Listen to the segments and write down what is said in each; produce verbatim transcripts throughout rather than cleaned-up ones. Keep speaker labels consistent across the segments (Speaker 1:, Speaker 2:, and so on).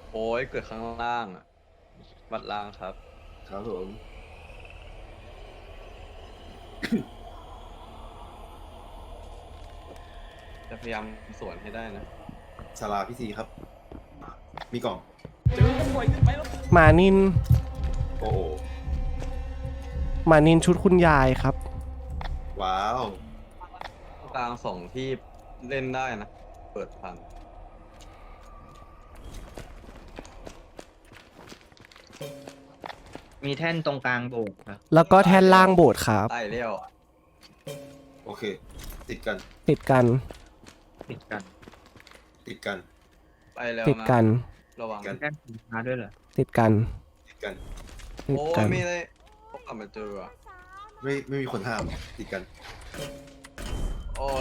Speaker 1: โอ้ยเกิดข้างล่างอ่ะวัดล่างครับ
Speaker 2: ครับผม
Speaker 1: จะพยายามสวนให้ได้นะ
Speaker 2: ศาลาพิธีครับ มีกล่อง
Speaker 1: เจอปล่อยขึ้นไปแล้ว
Speaker 3: หมานิน
Speaker 2: โอ้โห
Speaker 3: หมานินชุดคุณยายครับ
Speaker 2: ว้าว
Speaker 1: กลางสองที่เล่นได้นะ เปิดพัน
Speaker 4: มีแท่นตรงกลางโบกครับ
Speaker 3: แล้วก็แท่นล่างโบสถ์ครับ
Speaker 1: ใต้เลี้ยว
Speaker 2: โอเค ติดกัน
Speaker 3: ติดกัน
Speaker 4: ติดกัน
Speaker 2: ติดกัน
Speaker 1: ไปแล้ว
Speaker 3: ติด
Speaker 1: นะ
Speaker 3: กัน
Speaker 1: ระวัง
Speaker 2: กัน
Speaker 4: แท่นสีฟ้าด้วยเหรอ
Speaker 3: ติดกัน
Speaker 2: ติดกัน
Speaker 3: ติด
Speaker 1: โอ้
Speaker 3: กั
Speaker 1: ย
Speaker 3: น
Speaker 1: ไม่ได้พบกลับมาเจออ่ะ
Speaker 2: ไม่ไม่มีคนห้าม ติดกัน
Speaker 1: โอ้ย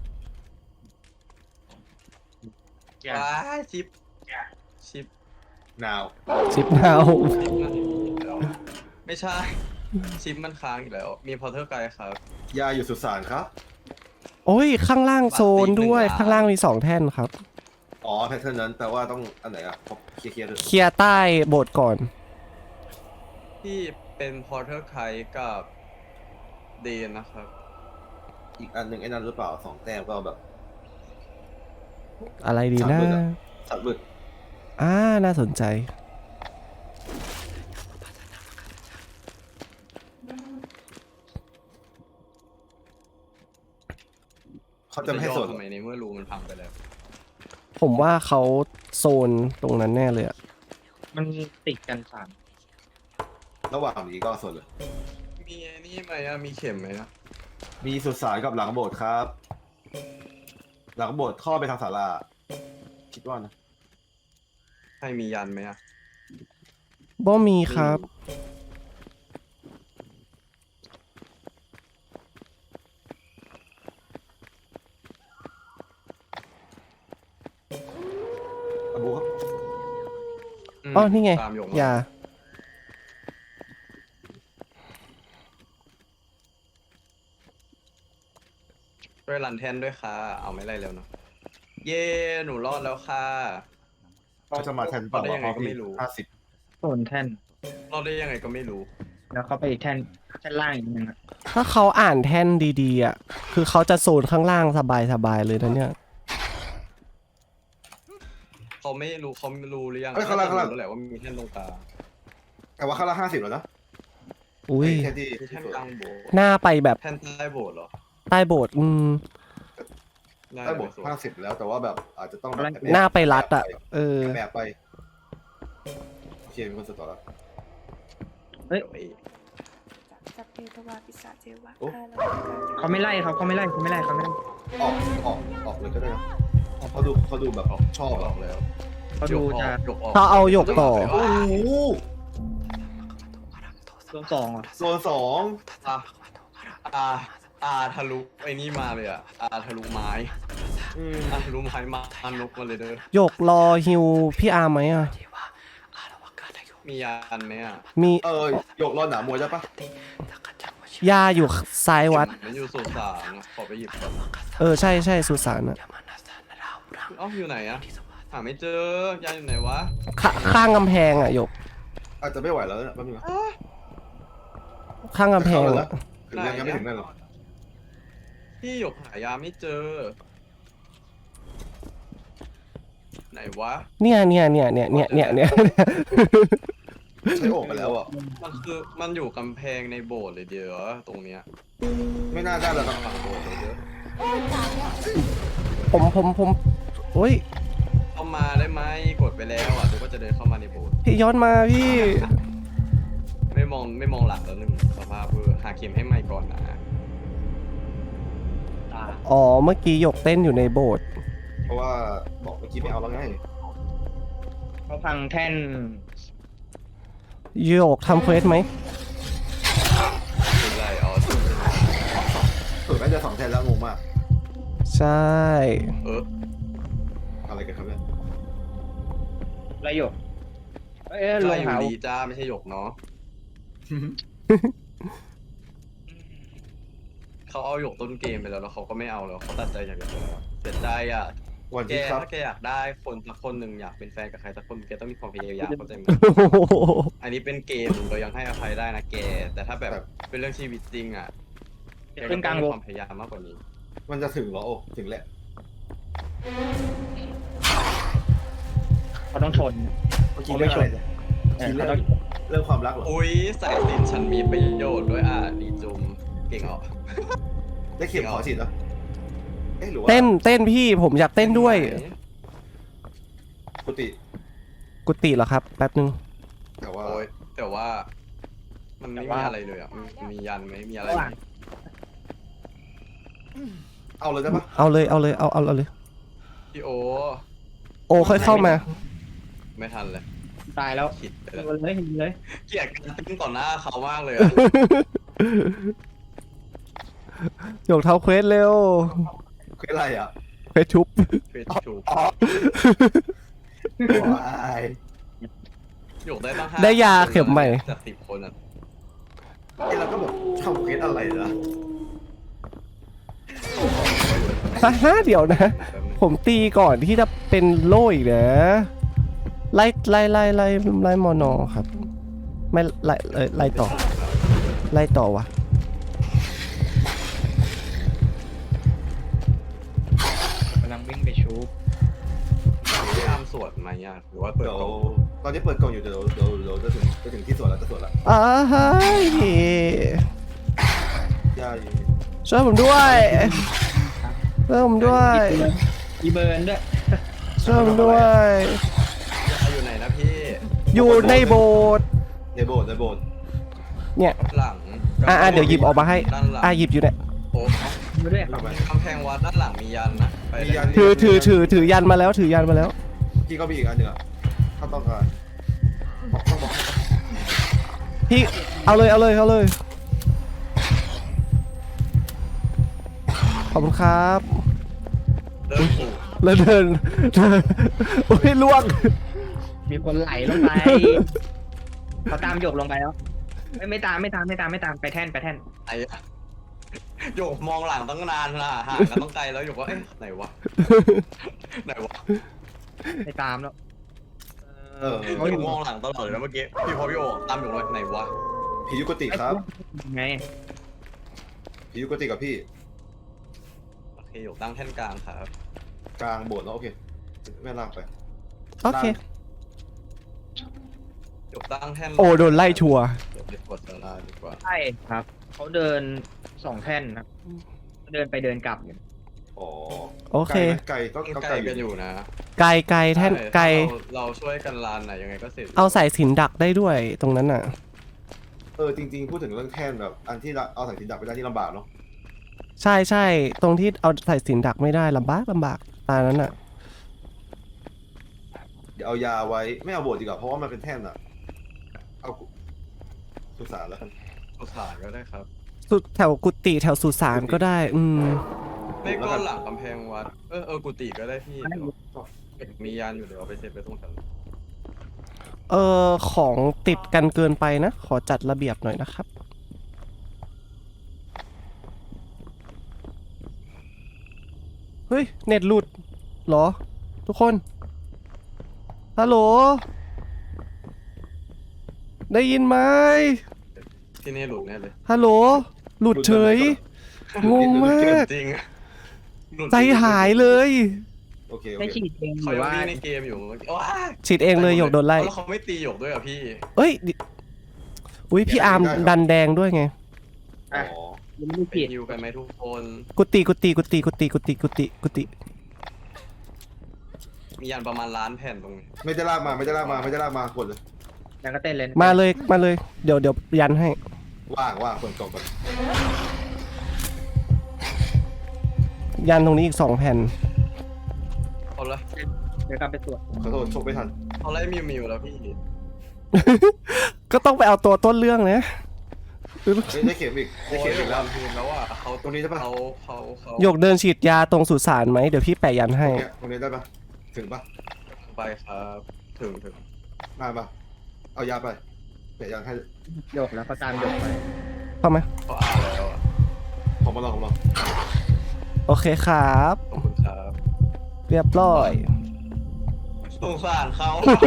Speaker 4: อย่า
Speaker 1: ว้ายชิป ชิป
Speaker 2: นาว
Speaker 3: ชิปเนา
Speaker 1: ชิปมันแล้วไม่ใช่ ชิปมันค้างอีกแล้ว มีพอเทอร์ไกด์ครับ
Speaker 2: ยาอยู่สุสานครับ
Speaker 3: โอ้ย ข้างล่างโซนด้วย
Speaker 1: บัตรตีหนึ่งล้าน
Speaker 3: ข้างล่างมีสองแท่นครับ
Speaker 2: อ๋อ แพทเทิร์นนั้นแปลว่าต้องอันไหนอ่ะเคลียร์เคลียร์เลย
Speaker 3: เคลียร์ใต้โบสถ์ก่อน
Speaker 1: ที่เป็นพอเทอร์ไกด์กับเดนนะครับ
Speaker 2: อีกอันหนึ่งไอ้นั่นหรือเปล่าสองแต้มก็แบบ
Speaker 3: อะไรดี
Speaker 2: สาม
Speaker 3: นะ
Speaker 2: หมื่นอะ สัตว์บึก
Speaker 3: อ่า น่าสนใจ
Speaker 2: เขาจะไม่ให้สน
Speaker 1: ทำไมในเมื่อรูมันพังไปแล้ว
Speaker 3: ผมว่าเขาโซนตรงนั้นแน่เลยอะ
Speaker 4: มันติดกันสาม
Speaker 2: ระหว่างนี้ก็สนเลย
Speaker 1: มีไอ้นี่ไหมอะมีเข็มไหมอะ
Speaker 2: มีสุสานกับหลังโบสถ์ครับ หลังโบสถ์เข้อไปทางศาลา คิดว่านะ
Speaker 1: ใครมียันไหมอะ
Speaker 3: บ่มีครับ
Speaker 2: อบูครับ
Speaker 1: ม
Speaker 3: อ๋อ นี่ไง
Speaker 1: ตามหยก
Speaker 3: อย่า
Speaker 1: ด้วยรันแทนด้วยค่ะ เอาไม่ไรแล้วเนาะเย่หนูรอดแล้วค่ะ
Speaker 2: ก็จะมาแทนเปล่า
Speaker 1: ได้ยังไง
Speaker 2: เพราะ
Speaker 1: ก็
Speaker 2: พี่
Speaker 1: ไม่รู้
Speaker 2: ห้าสิบ
Speaker 4: โซนแท่น
Speaker 1: รอดได้ยังไงก็ไม่รู้
Speaker 4: แล้วเขาไปอีกแท่นแท่นล่างอีกนึงอะ
Speaker 3: ถ้าเขาอ่านแท่นดีๆอ่ะ คือเขาจะโซนข้างล่างสบายๆเลยนะเนี่ย
Speaker 1: เขาไม่รู้เขาไม่รู้หรือยัง
Speaker 2: เอ้ยข้างล่างข้างล่าง
Speaker 1: รู้แหละว่ามีแท่นตรงกลาง
Speaker 2: แต่ว่าข้างละห้าสิบแล้วนะ
Speaker 3: อุ้ย
Speaker 2: แค่ที่
Speaker 1: มีแท่นกลางโบสถ์
Speaker 3: หน้าไปแบบ
Speaker 1: แท่นใต้โบสถ์เหรอ
Speaker 3: ใต้โบสถ์อืม
Speaker 2: ได้บทห้าสิบแล้วแต่ว่าแบบอาจจะต้องแบบ
Speaker 3: หน้าไปรัดอ่ะ เออ
Speaker 2: แบบไปโอเคมีคนสตอแล้ว
Speaker 1: เดี๋ยวไอ้
Speaker 5: สัพเพทวาปิสาเจวะ
Speaker 2: โอ้
Speaker 5: อาลา
Speaker 4: เขาไม่ไล่เขาเขาไม่ไล่เขาไม่ไล่เขาไม่ไล่
Speaker 2: ออกออกออกเลยก็ได้นะเขาดูเขาดูแบบชอบ
Speaker 1: อ
Speaker 2: แบ
Speaker 1: อบ กแล้ว
Speaker 4: เขาดูจะ
Speaker 1: หยกออก
Speaker 3: เขาเอาหยกต่อ
Speaker 2: โอ้โห
Speaker 4: โซนสองเหรอ่ะ
Speaker 2: โซนสอง
Speaker 1: อ่ะอาอาทะลุไอ้นี่มาเลยอ่ะอาทะลุไม้
Speaker 2: อืม
Speaker 1: อาทะลุไม้มาอันนกมาเลยเด้อ
Speaker 3: หยกรอฮิวพี่อาร์มไหมอ่ะ
Speaker 1: มียันไหมอ่ะ
Speaker 3: มี
Speaker 2: เออหยกรอหนามวยได้ปะ
Speaker 3: ยาอยู่ซ้ายวัด
Speaker 1: มันอยู่สุสานอะขอไปหยิบก่อน
Speaker 3: เออ ใช่ใช่สุสานอ่ะ
Speaker 1: เอ้าอยู่ไหนอ่ะหาไม่เจอยายอยู่ไหนวะ
Speaker 3: ขข้างกำแพงอ่ะหยก
Speaker 2: อาจจะไม่ไหวแล้วนะแป๊บนึงนะ
Speaker 3: ข้างกำแพง
Speaker 2: เข้า
Speaker 3: อ่ะ
Speaker 2: แล้วถึงยังยังไม่ถึงนั่นหรอก
Speaker 1: พี่หยกหายาไม่เจอ ไหนวะ
Speaker 3: เนี่ยเนี่ยเนี่ยเนี่ยเนี่ยเนี่ยเนี่ย
Speaker 2: ใช้โอกไปแล้วอ่ะ
Speaker 1: มันคือมันอยู่กำแพงในโบสถ์เลยเดียวตรงเนี้ย
Speaker 2: ไม่น่าได้แล้วนะ
Speaker 1: หลังโบสถ์เลยเด้อ
Speaker 3: ผมผมผมโอ้ย
Speaker 1: เข้ามาได้ไหมกดไปแล้วอ่ะทุกก็จะเดินเข้ามาในโบสถ์
Speaker 3: พี่ย้อนมาพี่
Speaker 1: ไม่มองไม่มองหลังแล้วหนึ่งสภาพเออหาเข็มให้ไม่ก่อนนะ
Speaker 4: ตา
Speaker 3: อ๋อ เมื่อกี้หยกเต้นอยู่ในโบสถ์
Speaker 2: เพราะว่าบอกเมื่อกี้ไม่เอาแล้วไง
Speaker 4: เขาพังแท่น
Speaker 3: หยกทำเควสไหม
Speaker 1: เป็นไรอ๋อสุด
Speaker 2: สุดน่าจะสองแทนแล้วงงมาก
Speaker 3: ใช่
Speaker 1: เออ
Speaker 2: อะไรกันครับเนี่ย
Speaker 4: ไรหยกเอ้ยล
Speaker 1: ใช่
Speaker 4: ง
Speaker 1: อยู่
Speaker 4: หา
Speaker 1: ดีจ้าไม่ใช่หยกเนาะเขาเอาหยกต้นเกมไปแล้วแล้วเขาก็ไม่เอาแล้วเขาตัดใจจากหยกไปแล้วเสียใจอ่ะ
Speaker 2: วัน
Speaker 1: แก
Speaker 2: ที่ครับ
Speaker 1: ถ้าแกอยากได้คนสักคนหนึ่งอยากเป็นแฟนกับใครสักคนแกต้องมีความพยายามเข้าใจไหมอันนี้เป็นเกมเรายังให้อภัยได้นะแก แต่ถ้าแบบเป็นเรื่องชีวิตจริงอ่ะแกก็
Speaker 4: ขึ้นก
Speaker 1: ต้อ
Speaker 4: ลาง ง
Speaker 1: มี
Speaker 4: วง
Speaker 1: ความพยายามมากกว่านี้
Speaker 2: มันจะถึงเหรอโอ้ถึงแหละ
Speaker 4: เขาต้องชน
Speaker 2: เมื่อกี้เรื่องอะไรเนี่ย
Speaker 4: เออ
Speaker 2: คิด
Speaker 4: เขา
Speaker 2: เรื่อ
Speaker 4: ต้อง ง
Speaker 2: เรื่องความรักเหรอ
Speaker 1: อุ้ยสายสินฉันมีประโยชน์ด้วยอ่ะดีจุมเก่งออก
Speaker 2: ได้เข็มขอฉีดเหรอเอ๊ะหรือว่า
Speaker 3: เต้นเต้นพี่ผมอยากเต้นด้วย
Speaker 2: กุฏิ
Speaker 3: กุฏิเหรอครับแป๊บนึง
Speaker 2: แต่ว่า
Speaker 1: โอ้ยแต่ว่า มันไม่มีอะไรเลยอ่ะมันมียันไหมมีอะไรไหม
Speaker 2: เอาเลยได้ปะ
Speaker 3: เอาเลยเอาเลยเอาเอาเอาเลย
Speaker 1: พี่โอ
Speaker 3: โอ้ค่อยเข้ามา
Speaker 1: ไม่ทันเลย
Speaker 4: ตายแล้ว
Speaker 1: ขิดไป
Speaker 4: ยิ
Speaker 1: แล้ว
Speaker 4: งเลยยิงเลย
Speaker 1: เกลียดการติ้งต่อหน้าเขามากเลยอะ
Speaker 3: หยกเท้าเควสเร็ว
Speaker 2: คืออะไรอ่ะ
Speaker 3: เควสชุบ
Speaker 1: เฟซชู
Speaker 2: อ๋อว้าย
Speaker 1: หยกได้ตั้งห้า
Speaker 3: ได้ยาเข็มใหม่
Speaker 1: จากสิบคนอ่ะ
Speaker 2: เอ้ยเราก็แบบทำเควสอะไรนะ
Speaker 3: ฮ่าฮ่าเดี๋ยวนะ ผมตีก่อนที่จะเป็นโล่อีกนะไล่ไล่ไล่ไล่ไล่มอนอครับ ไม่ไล่เอ่อไล่ต่อ ไล่ต่อวะ
Speaker 4: กำลังวิ่งไปชูบ
Speaker 1: พี่อาร์มสวดไหมอ่ะหรือว่าเปิด
Speaker 2: เดี๋ยว
Speaker 1: กล่อง
Speaker 2: ตอนนี้เปิดกล่องอยู่เดี๋ยวเดี๋ยวเดี๋ยวจะถึงจะถึงที่สวนแล้วจะสวนแล้ว
Speaker 3: อ้าฮะ
Speaker 2: ย่าอยู่
Speaker 3: ช่วยผมด้วยช่วยผมด้วย
Speaker 4: อีเบิร์นด้วย
Speaker 3: ช่วยผมด้วย
Speaker 1: ยาอยู่ไหนนะพี่
Speaker 3: อยู่ในโบสถ์
Speaker 2: ในโบสถ์ในโบสถ์
Speaker 3: เนี่ย
Speaker 1: หลัง
Speaker 3: อ่ะอ่ะเดี๋ยวหยิบออกมาให้
Speaker 1: ด้านหลัง
Speaker 3: อ่ะหยิบอยู่เนี่ย
Speaker 1: โอ้
Speaker 4: มาด้วยครับ
Speaker 1: กำแพงวัดด้านหลังมียันนะไป
Speaker 2: มียัน
Speaker 3: ถือถือถือถือยันมาแล้วถือยันมาแล้ว
Speaker 2: พี่ก็มีอีกอันหนึ่งอ่ะถ้าต้องการบอกต้องบอก
Speaker 3: พี่เอาเลยเอาเลยเอาเลย ขอบคุณครับ
Speaker 1: เริ่มปลูก
Speaker 3: แล้วเดินเดินโอ้ยล่วง
Speaker 4: มีคนไหลลงไปเขาตามหยกลงไปแล้วไม่ไม่ตามไม่ตามไม่ตามไม่ตามไปแท่นไปแท่น
Speaker 1: ไอ้อะหยกมองหลังตั้งนานละห่างกันต้องไกลแล้วหยกว่าเอ๊ะไหนวะไหนวะ
Speaker 4: ไม่ตามแล้ว
Speaker 2: เออ
Speaker 1: เขาอยู่มองหลังตลอดเลยนะเมื่อกี้พี่พอพี่โอตามหยกเลยไหนวะ
Speaker 2: ผียุกติครับ
Speaker 4: ไง
Speaker 2: ผียุกติกับพี่
Speaker 1: โอเคหยกตั้งแท่นกลางครับ
Speaker 2: กลางโบสถ์แล้วโอเคแม่ลากไป
Speaker 3: โอเค
Speaker 1: หยกตั้งแท่น
Speaker 3: โอ้โดนไล่ชัวร์
Speaker 1: เดี๋ยวไปกดสลาดีกว่า
Speaker 4: ใช่ครับเขาเดินสองแท่นครับเดินไปเดินกลับอยู่
Speaker 2: อ๋อ
Speaker 3: โอเค
Speaker 2: ไกลไหมไกลก็
Speaker 1: ใก
Speaker 2: ก็
Speaker 1: ล้
Speaker 2: ไกล
Speaker 1: กัน
Speaker 2: อ
Speaker 1: อยู่ ยู่นะ
Speaker 3: ไกลไกลแท่นไกล
Speaker 1: เราเราช่วยกันลานน่ะยังไงก็เสร็จ
Speaker 3: เอาสายสิญจนดักได้ด้วยตรงนั้นน่ะ
Speaker 2: เออจริงๆพูดถึงเรื่องแท่นแบบอันที่เราเอาสายสิญจนดักไปได้ที่ลำบากเนาะ
Speaker 3: ใช่ใช่ตรงที่เอาสายสิญจนดักไม่ได้ลำบากลำบากตานั้นน่ะ
Speaker 2: เดี๋ยวเอายาไว้ไม่เอาโบสถ์ดีกว่าเพราะว่ามันเป็นแท่นอะเอาสุสานแล้วกัน
Speaker 1: สุสานก็ได้ครับ
Speaker 3: สุดแถวกุฏิแถวสุสานก็ได้ อืม
Speaker 1: ไม่ก็หลังกำแพงวัดเออเออกุฏิก็ได้พี่เดี๋ยวมียานอยู่เดี๋ยวเอาไปเสร็จไปตรงแถว
Speaker 3: เออของติดกันเกินไปนะ ขอจัดระเบียบหน่อยนะครับ เฮ้ย เน็ตหลุดเหรอ ทุกคน ฮัลโหล ได้ยินไหม
Speaker 1: ที่นี่หลุดแน่เลย
Speaker 3: ฮัลโหล หลุดเฉย งงมาก
Speaker 1: จริงหลุด
Speaker 3: ใจหายเลย
Speaker 2: โอเคโอ
Speaker 4: ได้
Speaker 2: เค
Speaker 4: ฉีดเองห
Speaker 1: เขา
Speaker 4: รือ
Speaker 1: ยัง
Speaker 4: ว่า
Speaker 1: วิ่งในเกมอยู่เมื่อกี้ว้า
Speaker 3: ฉีดเองเลยหยกโดนไล่
Speaker 1: แล้วเขาไม่ตีหยกด้วยเหรอพี่
Speaker 3: เอ้ยดิอุ้ยพี่อาร์มดันแดงด้วยไง
Speaker 2: อ๋อ
Speaker 4: ยังไม่ได้
Speaker 1: ไป
Speaker 4: ฉีด
Speaker 1: ฮิวกันไหมทุกคน
Speaker 3: กุฏิกุฏิกุฏิกุฏิกุฏิกุฏิกุฏิ
Speaker 1: มียันประมาณล้านแผ่นตรงนี้
Speaker 2: ไม่ได้ลากมาไม่ได้ลากมาไม่ได้ลากมากดเลย
Speaker 4: แล้วก็เต้นเลย
Speaker 3: มาเลยมาเลย เดี๋ยวเดี๋ยวยันให้
Speaker 2: ว่างว่างเปิดกล่องก่อน
Speaker 3: ยันตรงนี้อีกสองแผ่น
Speaker 1: เขาไล่
Speaker 4: เดี๋ยวกลับไปตรวจ
Speaker 2: ขอโทษชกไม่ทัน
Speaker 1: เขาไล่มิวมิวแล้วพี่
Speaker 3: ก็ต้องไปเอาตัวต้นเรื่องนะ
Speaker 2: เฮ้ยได้เข็มอีกได้
Speaker 1: โอ้
Speaker 2: เข็
Speaker 1: ย
Speaker 2: มอีก
Speaker 1: แล้
Speaker 2: แล้ว ว
Speaker 1: ทีมแล้วอ่ะเขา
Speaker 2: ตรงนี้ใช่ปะ
Speaker 1: เขาเขาเขา
Speaker 3: หยกเดินฉีดยาตรงสุสานไหมเดี๋ยวพี่แปะยันให้
Speaker 2: เนี่ยตรงนี้ได้ปะถึงปะ
Speaker 1: ไปครับถึงถึง
Speaker 2: มาปะเอายาไปเดี๋ยวยังให้
Speaker 4: หยกแล้วเขาตามหยกไป
Speaker 3: เข้าไหม
Speaker 1: เขาอ่านแล้วอ่ะ
Speaker 2: ของมาลองของมาลอง
Speaker 3: โอเคครับ
Speaker 1: ขอบคุณครับ
Speaker 3: พเรียบร้อย
Speaker 1: สงสารเขา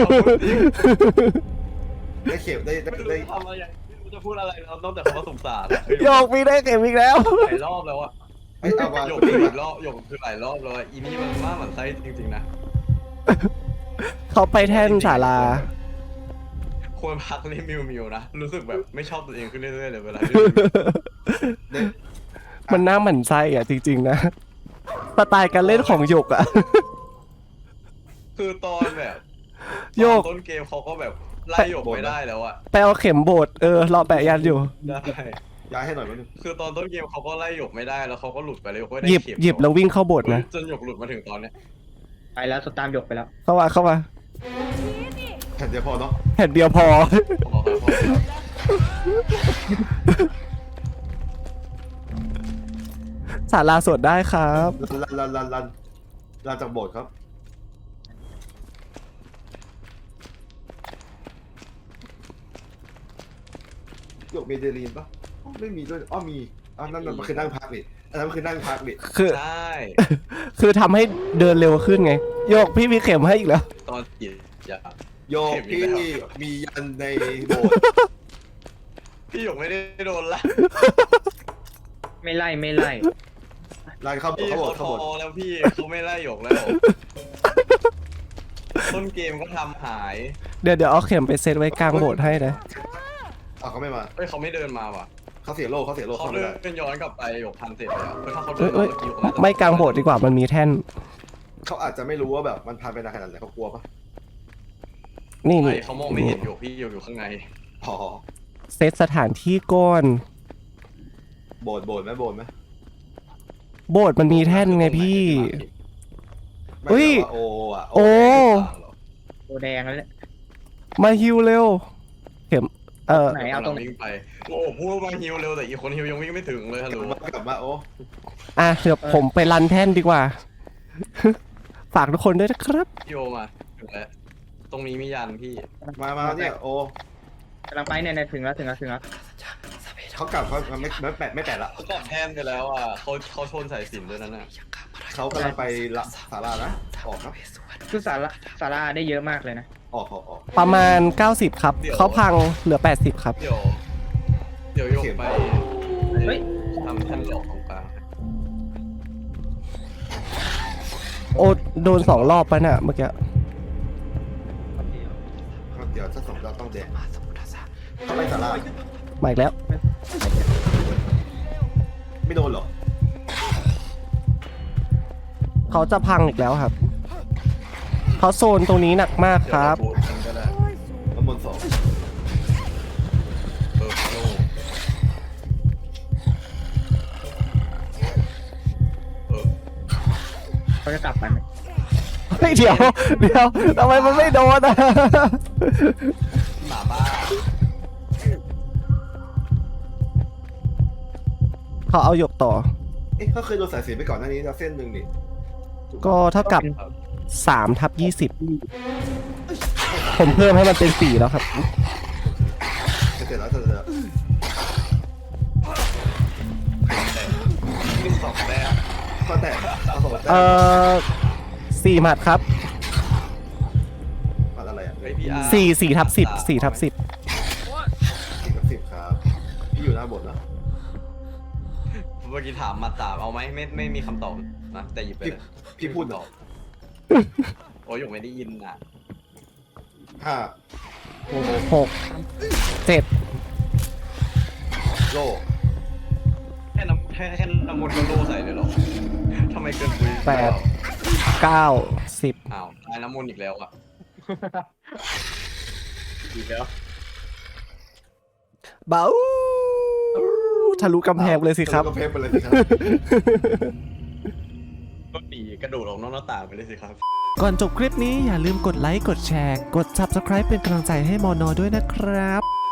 Speaker 2: ได้เข็มได้ได้
Speaker 1: ไม่รู้
Speaker 2: ได้
Speaker 1: จะทำอะไรอย่างไม่รู้จะพูดอะไรแล้วนอกจากคำว่าสงสาร
Speaker 3: โยกมีได้เข็มอีกแล้ว
Speaker 1: หลายรอบแล้วอะ
Speaker 2: ไอ้เอามา
Speaker 1: หยกคืออีกรอบหยกคือหลายรอบแล้วอะอีนี่มันมากเหมือนไส้จริงๆนะ
Speaker 3: เขาไปแท่นศาลา
Speaker 1: ควรพักเล่นมิวมิวนะรู้สึกแบบไม่ชอบตัวเองขึ้นเรื่อยๆเลยเวลา
Speaker 2: ได้
Speaker 3: มันน่าหมั่นไส้อ่ะจริงๆนะสไตล์การเล่นของหยกอ่ะ
Speaker 1: คือตอนแบบ
Speaker 3: โยก
Speaker 1: ตอนต้นเกมเขาก็แบบไล่หยกไม่ได้แล้วอะ
Speaker 3: ไปเอาเข็มโบดเออรอแปะยันอยู่
Speaker 1: ได้
Speaker 2: ย้ายให้หน่อยมั้ย
Speaker 1: คือตอนต้นเกมเขาก็ไล่หยกไม่ได้แล้วเขาก็หลุดไปเลยหยกก็ได้
Speaker 3: หยิบ
Speaker 1: เข็ม
Speaker 3: หยิบแล้ววิ่งเข้าโบดนะ
Speaker 1: จนหยกหลุดมาถึงตอนเนี้ย
Speaker 4: ไปแล้วสตามหยกไปแล้ว
Speaker 3: เข้ามาเข้ามา
Speaker 2: แผ่นเดียวพอเนาะ
Speaker 3: แผ่นเดียวพอ
Speaker 1: พอครับพอครับ
Speaker 3: ศาลาสวดได้ครับ
Speaker 2: ลันลันลันลันลันจากโบสถ์ครับหยกมีเดลีนปะอ๋อไม่มีด้วยอ้อมีอ่ะนั่นนั่นมันคือนั่งพักนี่อันนั้นมันคือนั่งพักนี่
Speaker 3: คือ
Speaker 1: ใช่
Speaker 3: คือทำให้เดินเร็วขึ้นไง โยกพี่มีเข็มให้อีกแล้ว
Speaker 1: ตอนจีบอย่า
Speaker 2: โยก
Speaker 1: เข็มอี
Speaker 2: พี่
Speaker 1: กแล้ว
Speaker 2: มียันในโบสถ์
Speaker 1: พี่หยกไม่ได้โดนละ
Speaker 4: ไม่ไล่ไม่ไล่
Speaker 2: ลันเข้าโบสถ์
Speaker 1: พี่
Speaker 2: เข้าโบ
Speaker 1: เขา
Speaker 2: สถ์
Speaker 1: ท
Speaker 2: เข้าโบสถ์
Speaker 1: อแล้วพี่เขาไม่ไล่หยกแล้ว ต้นเกมก็ทำหาย
Speaker 3: เดี๋ยวเดี๋ยวเอาเข็มไปเซตไว้กลางโบสถ์ให้นะ
Speaker 2: อ้าวเขาไม่มา
Speaker 1: เฮ้ยเขาไม่เดินมาว่ะ
Speaker 2: เขาเสียโลกเขาเสียโลก
Speaker 1: เขา
Speaker 2: เขาไม่
Speaker 1: เดิ
Speaker 2: ได้
Speaker 1: นย้อนกลับไปหยกพันเสร็จแล้วคือถ้าเขาเดิ
Speaker 3: เอ้
Speaker 1: น
Speaker 3: ย
Speaker 1: มา
Speaker 3: เอ้ย
Speaker 1: เมื่อกี้หยกน่าจะ
Speaker 3: ไม่กลางโบสถ์ดีกว่ามันมีแท่น
Speaker 2: เขาอาจจะไม่รู้ว่าแบบมันพันไปนานขนาดไหนเขากลัวปะ
Speaker 3: นี่
Speaker 1: ไม่
Speaker 3: นี่
Speaker 1: เขามองไม่เห็นหยกพี่หยกอยู่ข้างใน
Speaker 2: อ๋อ
Speaker 3: เซตสถานที่ก่อน
Speaker 2: โบสถ์โบสถ์ไหมโบสถ์ไหม
Speaker 3: โบสถ์มันมีแท่นไงพี่
Speaker 2: ไม่
Speaker 3: เฮ้ย
Speaker 2: แต่ว่าโออ่ะ
Speaker 3: โอ้
Speaker 4: โอแดงแล้วแหละ
Speaker 3: มาฮิวเร็ว เข็ม เออ
Speaker 4: ไหนเอาตรงไหน
Speaker 1: วิ่งไปโอ้โหพูดว่าฮิวเร็วแต่อีกคนฮิวยังวิ่งไม่ถึงเลยฮัลโหล
Speaker 2: กลับมากลับมาโอ้
Speaker 3: อ่ะเดี๋ยวผมไปรันแท่นดีกว่า ฝากทุกคนด้วยนะครับ
Speaker 1: โยมาถึงแล้วตรงนี้มียันพี่
Speaker 2: มามาเนี่ยโอ้
Speaker 4: กำลังไปเนี่ยเนี่ยถึงแล้วถึงแล้วถึงแล้ว
Speaker 2: เขากลับเขาไม่ไม่แปดไม่แปดละ
Speaker 1: เขากลับแทนไปแล้วอ่ะเขาเขาชนสายสิญจนด้วยนั่นน่ะ
Speaker 2: เขากำลังไปละศาลานะออกครับ
Speaker 4: คือสาระสาราได้เยอะมากเลยนะ
Speaker 2: ออกออกออก
Speaker 3: ประมาณ เก้าสิบ ครับ เขาพังเหลือ แปดสิบ ครับ
Speaker 1: เดี๋ยวเดี๋ยวโยกไป
Speaker 4: เฮ้ย
Speaker 1: ทำแท่นหลอกของกลาง
Speaker 3: โอ้โดนสองรอบปะน่ะเมื่อกี้
Speaker 2: ครับเดี๋ยวถ้าสองเราต้องแดงเขาไปศาลา
Speaker 3: มาอีกแล้ว
Speaker 2: ไม่โดนหรอ
Speaker 3: เขาจะพังอีกแล้วครับ เขาโซนตรงนี้หนักมากครับ
Speaker 1: เดี๋ยวเาบูทกันก็ได้
Speaker 2: น้ำมนต์สอง
Speaker 1: เออโลเออ
Speaker 4: เขาจะกลับไปไหม
Speaker 3: เฮ้ยเดี๋ยว เดี๋ยวทำไมมันไม่โดนอ่ะ
Speaker 1: หมาบ้า
Speaker 3: เขาเอาหยกต่อ
Speaker 2: เอ๊ะเขาเคยโดนสายสีไปก่อนหน้านี้แล้วเส้นหนึ่งนี่
Speaker 3: ก็เท่ากับสามทับยี่สิบ ผมเพิ่มให้มันเป็นสี่แล้วครับ
Speaker 2: เสร็จแล้วเสร็จแล้ว
Speaker 1: ขึ้นสองแต้ม
Speaker 2: ก็แตกเอาสองแต้
Speaker 3: เอ่
Speaker 2: ม
Speaker 3: อสี่หมัดครับ
Speaker 2: ปัดอะไรอ่ะ
Speaker 1: ไอพีอาร์
Speaker 3: สี่สี่ทับสิบสี่ทับสิบ
Speaker 2: สี่กับสิบครับพี่อยู่หน้าบทนะ
Speaker 1: เมื่อกี้ถามมาตามเอาไหมไม่ไม่มีคำตอบนะแต่หยิบไป
Speaker 2: พี่
Speaker 1: เลย
Speaker 2: พี่พูดเหรอ
Speaker 1: โอ้ยหยกไม่ได้ยินอ่ะ
Speaker 2: ห้า
Speaker 3: หกเจ็ด
Speaker 2: โล
Speaker 1: แค่น้ำแค่แค่น้ำมันต์ก็โล่ใส่เลยเหรอทำไมเกินคุย
Speaker 3: แปดเก้าสิบ
Speaker 1: อ้าวตายน้ำมันต์อีกแล้วอ่ะอีกแล้ว
Speaker 3: เบ้าทะลุกำแพงเลยสิครับ
Speaker 2: ก็เพลไปเลยสิครับ
Speaker 1: ก็หนีกระโดดออกนอกหน้าต่างไปเลยสิครับ
Speaker 3: ก่อนจบคลิปนี้อย่าลืมกดไลค์ กดแชร์ กด ซับสไครบ์ เป็นกำลังใจให้มอนอด้วยนะครับ